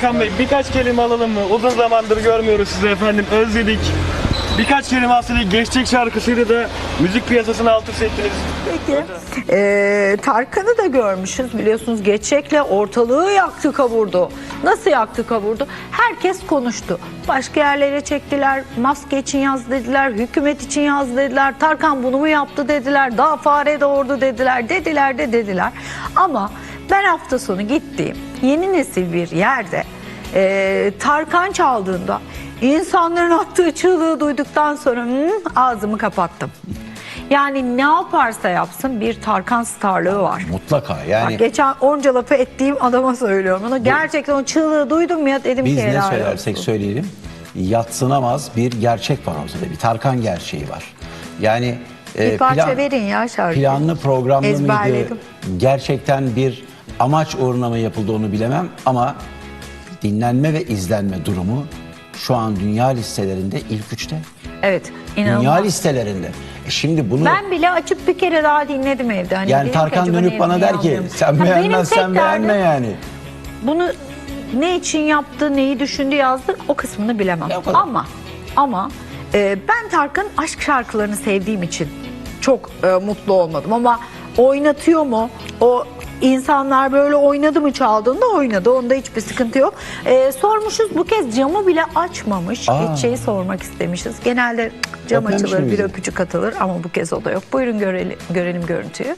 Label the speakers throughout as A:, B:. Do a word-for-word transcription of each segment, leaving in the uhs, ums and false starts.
A: Tarkan Bey, birkaç kelime alalım mı? Uzun zamandır görmüyoruz sizi efendim, özledik. Birkaç kelime aslında Geçecek şarkısıyla da müzik piyasasını alt üst ettiniz.
B: Peki. Ee, Tarkan'ı da görmüşüz biliyorsunuz, Geçecek'le ortalığı yaktı kavurdu. Nasıl yaktı kavurdu? Herkes konuştu. Başka yerlere çektiler, maske için yaz dediler, hükümet için yaz dediler, Tarkan bunu mu yaptı dediler, daha fare doğurdu dediler, dediler de dediler. Ama ben hafta sonu gittiğim yeni nesil bir yerde e, Tarkan çaldığında insanların attığı çığlığı duyduktan sonra hmm, ağzımı kapattım. Yani ne yaparsa yapsın bir Tarkan starlığı var.
C: Mutlaka yani.
B: Bak, geçen onca lafı ettiğim adama söylüyorum. Onu gerçekten o çığlığı duydum ya, dedim
C: Biz
B: ki
C: ne
B: helal
C: söylersek
B: olsun.
C: söyleyelim, yadsınamaz bir gerçek var ortada. Bir Tarkan gerçeği var. Yani
B: Bir parça verin ya şarkıyı.
C: planlı programlı mıydı?
B: Ezberledim.
C: Gerçekten bir amaç uğruna mı yapıldı onu bilemem ama dinlenme ve izlenme durumu şu an dünya listelerinde ilk üçte.
B: Evet, inanılmaz.
C: Dünya listelerinde. E şimdi bunu
B: Ben bile açıp bir kere daha dinledim evde. Hani
C: yani
B: dedim ki,
C: Tarkan
B: acaba
C: dönüp
B: ne-
C: bana
B: neyi
C: der ki
B: anlıyorum?
C: sen
B: Ha, benim
C: beğenmezsen
B: tek
C: beğenme
B: derdim,
C: yani.
B: bunu ne için yaptı, neyi düşündü, yazdı, o kısmını bilemem.
C: Ya o kadar.
B: Ama ama e, ben Tarkan'ın aşk şarkılarını sevdiğim için çok e, mutlu olmadım. Ama oynatıyor mu? O insanlar böyle oynadı mı, çaldığında oynadı. Onda hiçbir sıkıntı yok. E, sormuşuz, bu kez camı bile açmamış.
C: Aa.
B: Hiç şeyi sormak istemişiz. Genelde cam
C: Öpmemiş
B: açılır,
C: mi
B: bir
C: bizi?
B: öpücük atılır ama bu kez o da yok. Buyurun görelim, görelim görüntüyü.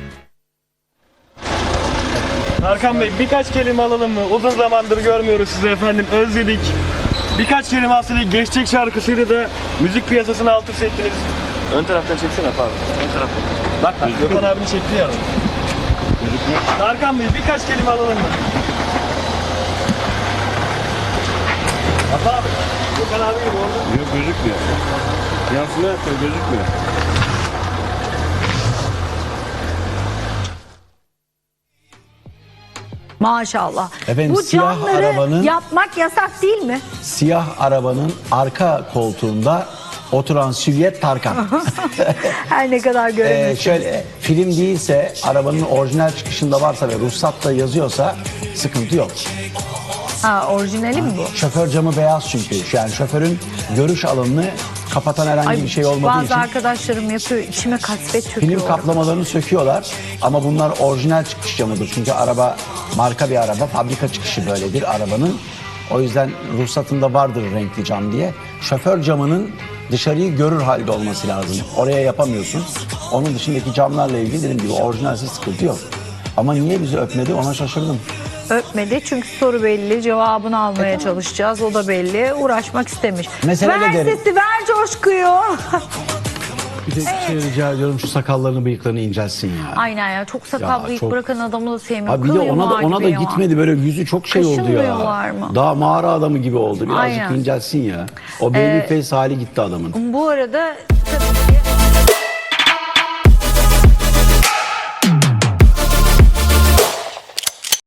A: Tarkan Bey, birkaç kelime alalım mı? Uzun zamandır görmüyoruz sizi efendim, özledik. Birkaç kelime aslında Geçecek şarkısıyla da müzik piyasasını alt üst ettiniz. Ön taraftan çeksene pardon. Ön taraftan. Bak bak, Gökhan abini çekti ya. Tarkan Bey, birkaç kelime alalım mı? Bak abi, Gökhan abi gibi oldu.
D: Yok, gözükmüyor. Yansıma yapıyor, gözükmüyor.
B: Maşallah.
C: Efendim,
B: Bu
C: siyah
B: camları
C: arabanın-
B: yapmak yasak değil mi?
C: Siyah arabanın arka koltuğunda oturan Süvyet Tarkan.
B: Her ne kadar
C: Ee,
B: göremiyorsun.
C: şöyle film değilse, arabanın orijinal çıkışında varsa ve ruhsatta yazıyorsa sıkıntı yok.
B: Ha, orijinali mi bu?
C: Şoför camı beyaz çünkü. Yani şoförün görüş alanını kapatan herhangi bir şey olmadığı
B: bazı
C: için
B: arkadaşlarım yapıyor, içime kasvet çöküyor.
C: film kaplamalarını söküyorlar. Ama bunlar orijinal çıkış camıdır. Çünkü araba marka bir araba, fabrika çıkışı böyledir arabanın. O yüzden ruhsatında vardır renkli cam diye. Şoför camının dışarıyı görür halde olması lazım. Oraya yapamıyorsun. Onun dışındaki camlarla ilgili dediğim gibi orijinalsiz sıkıntı yok. Ama niye bizi öpmedi ona şaşırdım.
B: Öpmedi çünkü soru belli, cevabını almaya çalışacağız, o da belli. Uğraşmak istemiş.
C: Mesele
B: ver
C: ne derim?
B: sesi, ver coşkuyu.
C: Bir de şey rica ediyorum, şu sakallarını bıyıklarını incelsin ya.
B: Aynen ya, çok sakal
C: Ya
B: bıyık
C: çok-
B: bırakan adamı da sevmiyorum.
C: Abi bir de
B: Kıl
C: ona da
B: yumağı
C: ona da
B: gibi ya.
C: gitmedi, böyle yüzü çok şey oldu ya.
B: Kaşınmıyorlar mı?
C: Daha mağara adamı gibi oldu. Birazcık
B: Aynen.
C: incelsin ya. O baby face hali gitti adamın.
B: Bu arada tabii